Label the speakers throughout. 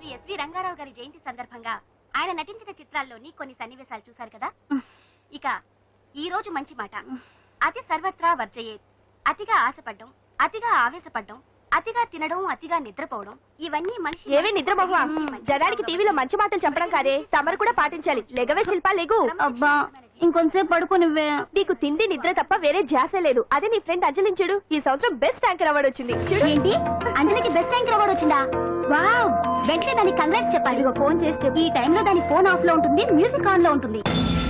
Speaker 1: SV Rangarao గారి జయంతి సందర్భంగా ఆయన నటించిన చిత్రాల్లోని కొన్ని సన్నివేశాలు చూశారు కదా. ఇక ఈ రోజు మంచి మాట. అతి సర్వత్రా వర్జయేత్. అతిగా ఆశపడ్డం, అతిగా ఆవేశపడ్డం, అతిగా తినడం, అతిగా నిద్రపోవడం, ఇవన్నీ మనిషి
Speaker 2: ఏవే నిద్రపోవా. జనానికి టీవీలో మంచి మాటలు చెప్పడం కాదే, తమరు కూడా పాటించాలి. లెగవే శిల్పా, లెగు.
Speaker 1: అబ్బా ఇంకొంతసేపు పడుకోనివ్వే.
Speaker 2: నీకు తిండి నిద్ర తప్ప వేరే ధ్యాస లేదు. అదే నీ ఫ్రెండ్ అంజలిని చూడు, ఈ సంవత్సరం బెస్ట్ యాంకర్ అవార్డు వచ్చింది. చూడు.
Speaker 1: ఏంటి, అంజలికి బెస్ట్ యాంకర్ అవార్డు వచ్చిందా? వావ్, వెంటనే దానికి కంగ్రాట్స్ చెప్పాలి.
Speaker 2: ఫోన్ చేస్తే
Speaker 1: ఈ టైంలో దాని ఫోన్ ఆఫ్ లో ఉంటుంది, మ్యూజిక్ ఆన్ లో ఉంటుంది.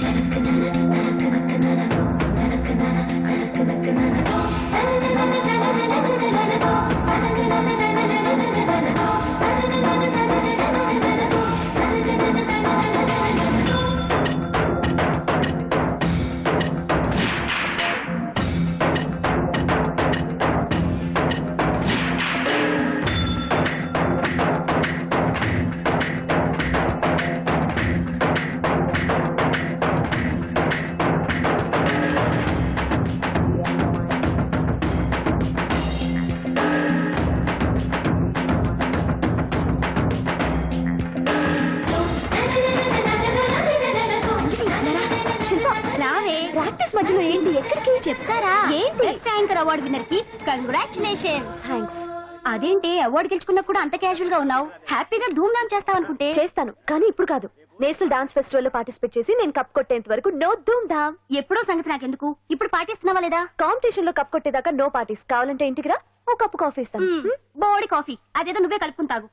Speaker 1: ప్రాక్టీస్ మధ్యలో ఏంటి, ఎక్కడికి చెప్తారా? ఏంటి? బెస్ట్ యాంకర్ అవార్డు విన్నర్ కి కంగ్రాచులేషన్స్.
Speaker 2: థ్యాంక్స్.
Speaker 1: అదేంటి అవార్డు గెలుచుకున్నా కూడా అంత క్యాజువల్ గా ఉన్నావు? హ్యాపీగా ధూమ్ ధామ్ చేస్తావు అనుకుంటే.
Speaker 2: చేస్తాను, కానీ ఇప్పుడు కాదు. నేషనల్ డాన్స్ ఫెస్టివల్ లో పార్టిసిపేట్ చేసి నేను కప్ కొట్టేంత వరకు నో ధూమ్ ధామ్.
Speaker 1: ఎప్పుడో సంగతి నాకెందుకు, ఇప్పుడు పాటిస్తున్నావా లేదా?
Speaker 2: కాంపిటీషన్ లో కప్ కొట్టేదాకా నో పార్టీస్. కావాలంటే ఇంటికి రా, ఓ కప్పు కాఫీ ఇస్తాను.
Speaker 1: బోడి కాఫీ అదేదో నువ్వే కలుపుకుని తాగు.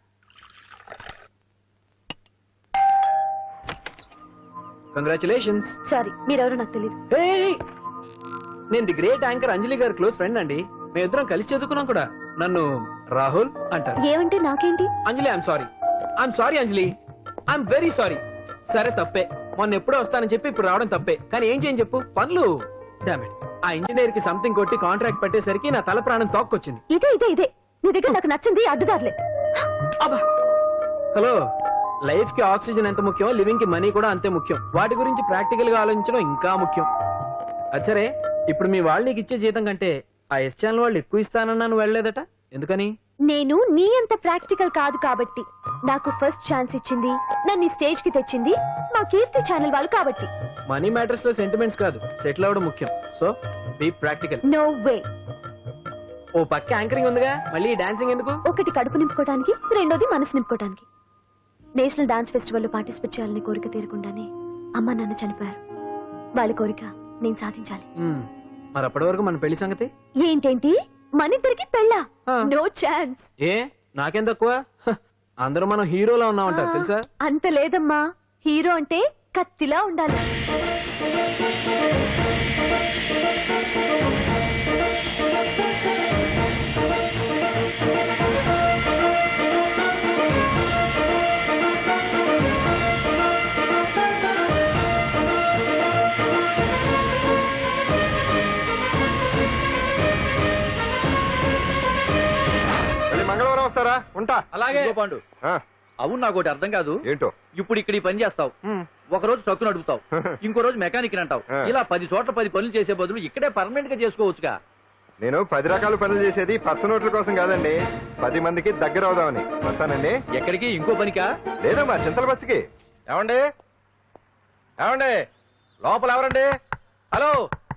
Speaker 3: కంగ్రాచులేషన్స్.
Speaker 2: సారీ, మీరెవరో నాకు తెలియదు.
Speaker 3: నేను ది గ్రేట్ యాంకర్ అంజలి గారి క్లోజ్ ఫ్రెండ్ అండి. మేమిద్దరం కలిసి చదువుకున్నాం కూడా. నన్ను రాహుల్ అంటారు.
Speaker 2: ఏమంటే నాకేంటి?
Speaker 3: Anjali, I'm sorry Anjali, I'm very sorry. సరే తప్పే, మొన్న ఎప్పుడో వస్తానని చెప్పి ఇప్పుడు రావడం తప్పే. కానీ ఏం చేయని చెప్పు, పనులు. ఆ ఇంజనీర్ కి సంథింగ్ కొట్టి కాంట్రాక్ట్ పెట్టేసరికి నా తల ప్రాణం తోక్కొచ్చింది.
Speaker 2: ఇదే నీ దగ్గర నాకు నచ్చింది అడ్డుదారులే.
Speaker 3: హలో, లైఫ్ కి ఆక్సిజన్ ఎంత ముఖ్యం, లివింగ్ కి మనీ కూడా అంతే ముఖ్యం. వాటి గురించి ప్రాక్టికల్ గా ఆలోచించడం ఇంకా ముఖ్యం. అచ్చరే, ఇప్పుడు మీ వాళ్ళు నీకు ఇచ్చే జీతం కంటే ఆ ఎస్ ఛానల్ వాళ్ళు ఎక్కువ ఇస్తానన్నా నువ్వు వెళ్ళలేదట, ఎందుకని?
Speaker 2: నేను నీ అంత ప్రాక్టికల్ కాదు కాబట్టి. నాకు ఫస్ట్ ఛాన్స్ ఇచ్చింది, నన్ను స్టేజ్ కి తెచ్చింది మా కీర్తి ఛానల్ వాళ్ళు కాబట్టి.
Speaker 3: మనీ మ్యాటర్స్ లో సెంటిమెంట్స్ కాదు, సెటిల్ అవ్వడం ముఖ్యం. So be practical.
Speaker 2: No way.
Speaker 3: ఓ పక్క యాంకరింగ్ ఉందిగా, మళ్ళీ డాన్సింగ్ ఎందుకు?
Speaker 2: ఒకటి కడుపు నింపుకోవడానికి, రెండోది మనసు నింపుకోవడానికి. నేషనల్ డాన్స్ ఫెస్టివల్ లో పార్టిసిపేట్ చేయాలని కోరిక తీరకుండానే అమ్మ నాన్న చనిపోయారు. వాళ్ళ కోరిక నేను సాధించాలి.
Speaker 3: మరి అప్పటి వరకు మన పెళ్లి సంగతి
Speaker 2: ఏంటేంటి? మనిద్దరికి పెళ్ళా? No chance.
Speaker 3: ఏ నాకేం తక్కువ? అందరూ మనం హీరోలా ఉన్నామంటారు తెలుసా?
Speaker 2: అంత లేదమ్మా, హీరో అంటే కత్తిలా ఉండాలి.
Speaker 4: మంగళవారం వస్తారా? ఉంటా.
Speaker 3: అలాగే పాండు.
Speaker 4: అవును, నాకు ఒకటి అర్థం కాదు. ఏంటో?
Speaker 5: ఇప్పుడు ఇక్కడ ఈ పని చేస్తావు, ఒక రోజు ట్రక్కు నడుపుతావు, ఇంకో రోజు మెకానిక్ అంటావు. ఇలా 10 చోట్ల 10 పనులు చేసే బదులు ఇక్కడే పర్మనెంట్ గా చేసుకోవచ్చుగా.
Speaker 4: నేను 10 రకాల పనులు చేసేది పర్స నోట్ల కోసం కాదండి, 10 మందికి దగ్గర అవుదామని. వస్తానండి.
Speaker 5: ఎక్కడికి? ఇంకో పనికా?
Speaker 4: లేదా మా చింతల బస్సుకి.
Speaker 5: ఏమండి ఏమండి, లోపల ఎవరండి? హలో,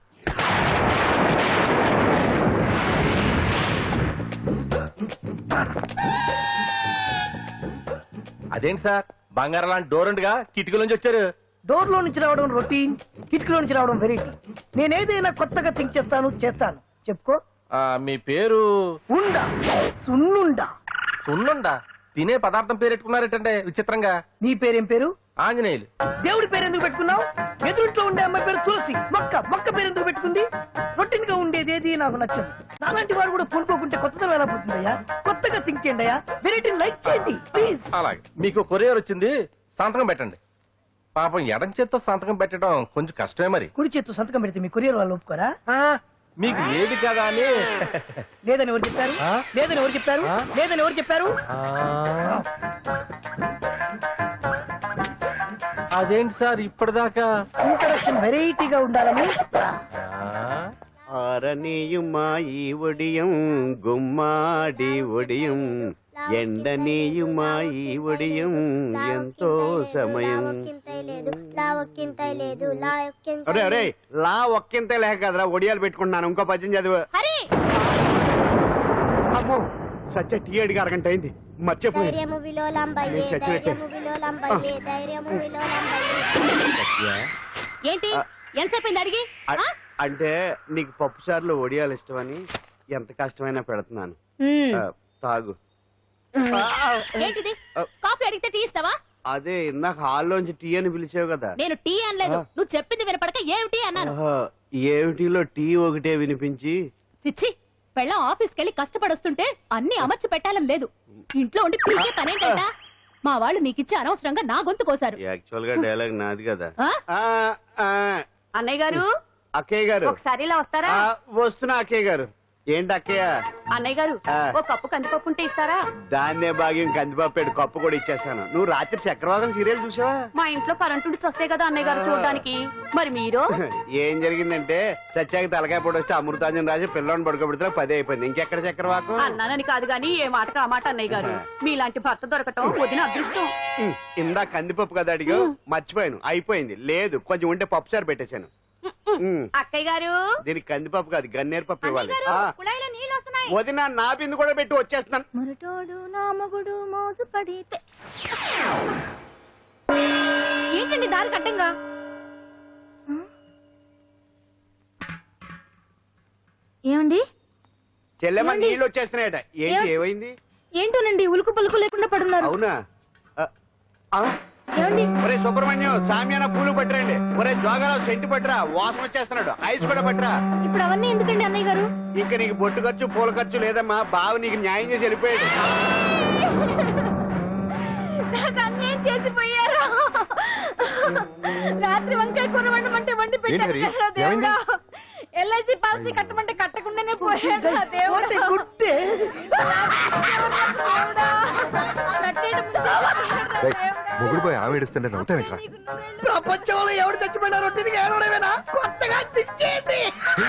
Speaker 5: అదేంటి సార్, బంగారం లాంటి డోర్ ఉండగా కిటికీ నుంచి వచ్చారు?
Speaker 6: డోర్ లో నుంచి రావడం రొటీన్, కిటికీలో నుంచి రావడం వెరైటీ. నేనేదైనా కొత్తగా థింక్ చేస్తాను. చెప్పుకో.
Speaker 5: మీ పేరు?
Speaker 6: ఉండా, సున్నుండా.
Speaker 5: సున్నుండా? తినే పదార్థం పేరు పెట్టుకున్నారేటంటే విచిత్రంగా.
Speaker 6: నీ పేరేం పేరు?
Speaker 5: ఆంజనేయులు.
Speaker 6: దేవుడి పేరు ఎందుకు పెట్టుకున్నావు? ఎదురుంట్లో ఉండే అమ్మాయి పేరు తులసి. మొక్క పేరు ఎందుకు పెట్టుకుంది? రొటీన్ గా ఉండేది ఏది నాకు నచ్చదు. నాలాంటి వాడు కూడా పూనుకోకుంటే కొత్తదనం ఎలా పోతుందయ్యా? కొత్తగా థింక్ చేయండి అయ్యా, వెరైటీని లైక్ చేయండి ప్లీజ్.
Speaker 5: అలాగే, మీకు కొరియర్ వచ్చింది, సంతకం పెట్టండి. పాపం ఎడం చేత్తో సంతకం పెట్టడం కొంచెం కష్టమే. మరి
Speaker 6: కుడి చేత్తు సంతకం పెడితే మీ కొరియర్ వాళ్ళు ఒప్పుకోరా?
Speaker 5: మీకు ఏది కదా అని.
Speaker 6: లేదని ఎవరు చెప్పారు? లేదని ఎవరు చెప్పారు? లేదని ఎవరు చెప్పారు?
Speaker 5: అదేంటి సార్ ఇప్పటిదాకా
Speaker 6: ఇంట్రడక్షన్ వెరైటీగా ఉండాలని.
Speaker 7: ஆரணியுமாயி ஒடியும் கும்மாடி ஒடியும் ఎండనీయుమా ఈ ఒడియం ఎంతో సమయం. అరే అరే లా ఒక్కింతే లేక కదరా ఒడియాలు పెట్టుకుంటున్నాను. ఇంకో పద్యం చదివు. అమ్మో సత్య టీ అడిగి అరగంట అయింది. మర్చిపోయి
Speaker 1: ఏంటి ఎంతసేపు అడిగి
Speaker 7: అంటే నీకు పప్పు సార్లు ఒడియాలు ఇష్టమని ఎంత కష్టమైనా పెడుతున్నాను. తాగు.
Speaker 1: ఏంటిది కాఫీ అడిగితే టీ ఇస్తావా?
Speaker 7: అదే ఇందాక హాల్లోంచి టీ అని పిలిచావు కదా.
Speaker 1: నేను టీ అనలేదు, నువ్వు చెప్పింది వినపడక ఏమిటి అన్నాను.
Speaker 7: ఏమిటిలో టీ ఒకటే వినిపించి.
Speaker 1: చిచ్చి పెళ్ళం ఆఫీస్కి వెళ్ళి కష్టపడొస్తుంటే అన్ని అమర్చి పెట్టాలని లేదు. ఇంట్లో ఉండి పీకే పనేంటా? మా వాళ్ళు నీకిచ్చి అనవసరంగా నా గొంతు కోసారు.
Speaker 7: యాక్చువల్ గా డైలాగ్ నాది కదా.
Speaker 1: అన్నయ్య గారు,
Speaker 7: అక్కయ్య గారు
Speaker 1: ఒకసారి ఇలా వస్తారా?
Speaker 7: వస్తున్నా అక్కయ్య గారు. ఏంటి అక్కయ్య?
Speaker 1: అన్నయ్య గారు ఒక కప్పు కందిపప్పు ఉంటే ఇస్తారా?
Speaker 7: దాన్నే భాగ్యం కందిపప్పు కప్పు కూడా ఇచ్చేసాను. నువ్వు రాత్రి చక్రవాదం సీరియల్ చూసావా?
Speaker 1: మా ఇంట్లో కరెంటు వస్తే కదా అన్నయ్య గారు చూడడానికి. మరి మీరు?
Speaker 7: ఏం జరిగిందంటే సత్యాకి తలకాయ పొడి వస్తే అమృతాంజన్ రాజు పిల్లని పడుకోబెడితే 10 అయిపోయింది. ఇంకెక్కడ చక్రవాకం?
Speaker 1: అన్నానని కాదు గాని ఏ మాటకు ఆ మాట అన్నయ్య గారు. మీలాంటి భర్త దొరకటం వదిన అదృష్టం.
Speaker 7: ఇందా కందిపప్పు కదా అడిగా, మర్చిపోయాను. అయిపోయింది. లేదు కొంచెం ఉంటే పప్పు సార్ పెట్టేశాను.
Speaker 1: అక్కయ్య గారు
Speaker 7: దీనికి కందిపప్పు కాదు గన్నేరు పప్పు ఇవ్వాలి.
Speaker 1: నీళ్ళు వస్తున్నాయి.
Speaker 7: వదిన నా బిందు కూడా పెట్టి వచ్చేస్తున్నాను.
Speaker 2: మురటోడు నా మగుడు మోసు పడితే.
Speaker 1: ఏంటండి దారి కట్టంగా?
Speaker 2: ఏమండి
Speaker 7: చెల్లెమ్మ నీళ్ళు వచ్చేస్తున్నాయట. ఏంటి ఏమైంది?
Speaker 2: ఏంటోనండి ఉలుకు పలుకు లేకుండా పడున్నారు.
Speaker 7: అవునా?
Speaker 2: ఏమండి
Speaker 7: ఒరే సుబ్రహ్మణ్యం సామ్యాన పూలు పట్టరండి. ఒరే జోగారావు సెంటు పట్టరా, వాసన వచ్చేస్తున్నాడు. ఐస్ కూడా పట్టరా.
Speaker 2: ఇప్పుడు అవన్నీ ఎందుకండి అన్నయ్య గారు?
Speaker 7: ఇంకా నీకు బొట్టు ఖర్చు పూల ఖర్చు లేదమ్మా. బావ నీకు న్యాయం చేసి వెళ్ళిపోయాడు.
Speaker 2: నాకు అన్యాయం చేసిపోయారు. రాత్రి వంకాయ కూర వండమంటే వండి పెట్టారు కదా దేవుడా. ఎల్ఐసి పాలసీ కట్టమంటే కట్టకుండానే పోయాడు దేవుడా.
Speaker 4: మొగుడు పోయి ఆమె ఏడుస్తుంటే నవ్వుతావేట్రా?
Speaker 6: ప్రపంచంలో ఎవరు చచ్చిపోయినా రొట్టెని ఏడవడమేనా? కొత్తగా తెచ్చేయండి.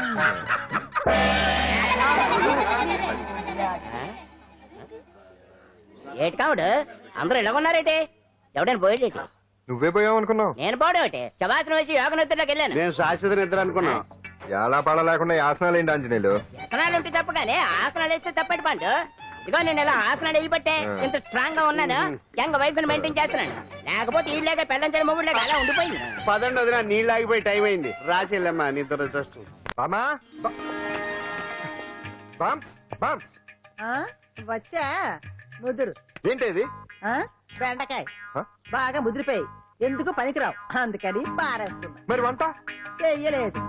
Speaker 8: ఏటి కావుడు అందరూ ఇలా ఉన్నారేటి? ఎవడైనా పోయేటి?
Speaker 4: నువ్వే పోయావు అనుకున్నావు.
Speaker 8: నేను పోవడం ఏంటి? శవాసనం వేసి యోగ నిద్రలోకి వెళ్ళాను.
Speaker 7: నేను శాశ్వత నిద్ర అనుకున్నాను.
Speaker 4: ఎలా పడ లేకుండా యాసనాలు ఏంటి ఆంజనేయులు?
Speaker 8: వ్యసనాలు ఉంటే తప్ప కానీ ఆసనాలు వేస్తే తప్పటి పండు. ఇదిగో నేను ఇలా ఆసనాలు వేయబట్టే ఇంత స్ట్రాంగ్ గా ఉన్నాను. యంగ్ వైఫ్ ని మెయింటైన్ చేస్తున్నాను. లేకపోతే ఈ లేక పెళ్ళంచని మొగుడు లేక అలా ఉండిపోయింది.
Speaker 7: పదండి వదిన, నీళ్ళు ఆగిపోయి టైం అయింది. రాసేళ్ళమ్మా నిద్ర ట్రస్ట్.
Speaker 4: బామా బామ్స్ బామ్స్
Speaker 9: వచ్చా ముదురు.
Speaker 4: ఏంటి
Speaker 9: బెండకాయ బాగా ముదిరిపోయి ఎందుకు పనికిరావు, అందుకని పారేస్తున్నా.
Speaker 4: మరి వంట
Speaker 9: చెయ్యలేదు.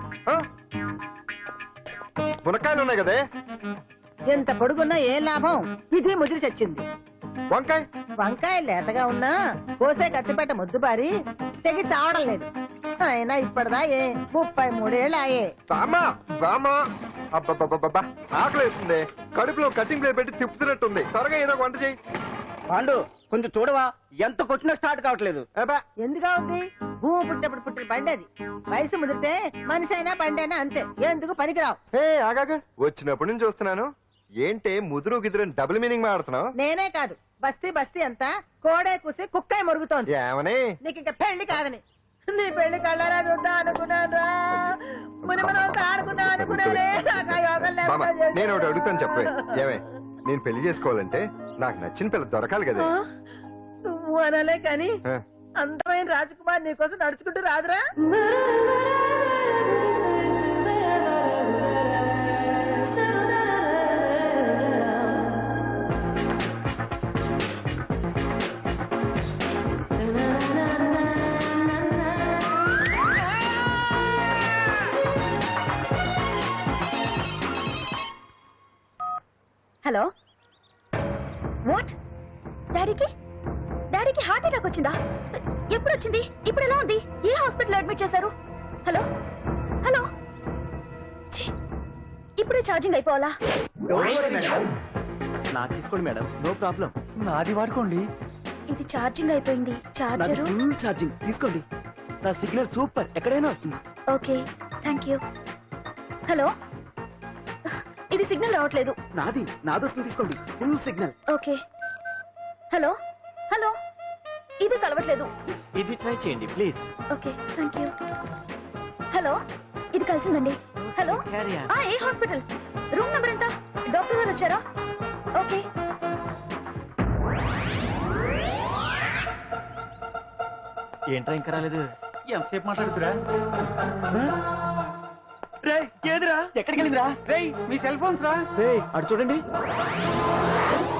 Speaker 4: మునక్కాయలు ఉన్నాయి కదే.
Speaker 9: ఎంత పొడుగున్నా ఏం లాభం? ఇది ముదిరి చచ్చింది.
Speaker 4: వంకాయ
Speaker 9: వంకాయ లేతగా ఉన్నా కోసే కత్తిపేట ముద్దుబారి తెగి చావడం లేదు. అయినా ఇప్పటిదా 33 ఏళ్ళు ఆయే.
Speaker 4: బామా బామా అబ్బబ్బబ్బబ్బా ఆకలి వేస్తుంది. కడుపులో కటింగ్ ప్లేట్ పెట్టి తిప్పుతున్నట్టుంది. త్వరగా ఏదో వంట చేయి.
Speaker 5: పాండు కొంచెం చూడవా, ఎంత కొట్టినా స్టార్ట్ కావట్లేదు.
Speaker 9: ఎందుగా ఉంది? భూమి పుట్టినప్పుడు పుట్టిన బండి అది. వయసు ముదిరితే మనిషి అయినా బండి అయినా అంతే. ఎందుకు పనికిరావు.
Speaker 4: ఆగాక వచ్చినప్పుడు నుంచి చూస్తున్నాను. ఏంటే ముదురు గిదురు డబుల్ మీనింగ్ మాడుతున్నావు?
Speaker 9: నేనే కాదు బస్తీ బస్తీ అంతా కోడే కూసి కుక్కాయ మొరుగుతోంది.
Speaker 4: ఏమని?
Speaker 9: నీకు ఇంకా పెళ్లి కాదని. నీ పెళ్లి కళ్ళరా చూద్దా అనుకున్నాను. ముని మనతో ఆడుకుందా అనుకున్నానే. నాకు ఆ యోగం లేకుండా
Speaker 4: నేను ఒకటి అడుగుతాను చెప్పే. ఏమే నేను పెళ్లి చేసుకోవాలంటే నాకు నచ్చిన పిల్ల దొరకాలి కదా.
Speaker 9: నువ్వు అనలే కాని అందమైన రాజకుమార్ నీకోసం నడుచుకుంటూ రాదురా.
Speaker 2: Hello what? డాడీకి హార్ట్ అటాక్ వచ్చిందా? ఎప్పుడు వచ్చింది? ఇప్పుడు ఎలా ఉంది? ఏ హాస్పిటల్ అడ్మిట్ చేశారు? హలో హలో ఇప్పుడే ఛార్జింగ్ అయిపోవాలా?
Speaker 3: నాకు తీసుకోండి మేడం, నో ప్రాబ్లం. నాది వాడుకోండి.
Speaker 2: ఇది ఛార్జింగ్ అయిపోయింది. చార్జరు
Speaker 3: ఫుల్ ఛార్జింగ్ తీసుకోండి. నా సిగ్నల్ సూపర్, ఎక్కడైనా వస్తుంది.
Speaker 2: Okay thank you. హలో ఇది సిగ్నల్ రావట్లేదు.
Speaker 3: నాది వస్తుంది తీసుకోండి, full signal.
Speaker 2: Okay hello hello ఇది కలవట్లేదు.
Speaker 10: ఇది ట్రై చేయండి please.
Speaker 2: Okay thank you. Hello ఇది కలిసిందండి. హలో ఏ హాస్పిటల్? రూమ్ నెంబర్ ఎంత? డాక్టర్ గారు వచ్చారా? ఓకే.
Speaker 10: ఏంట్రా ఇంకా రాలేదు?
Speaker 5: ఎంతసేపు మాట్లాడుతురా?
Speaker 10: ఏదిరా ఎక్కడికి వెళ్ళిందిరా?
Speaker 3: మీ సెల్ ఫోన్స్ రా.
Speaker 10: అటు చూడండి.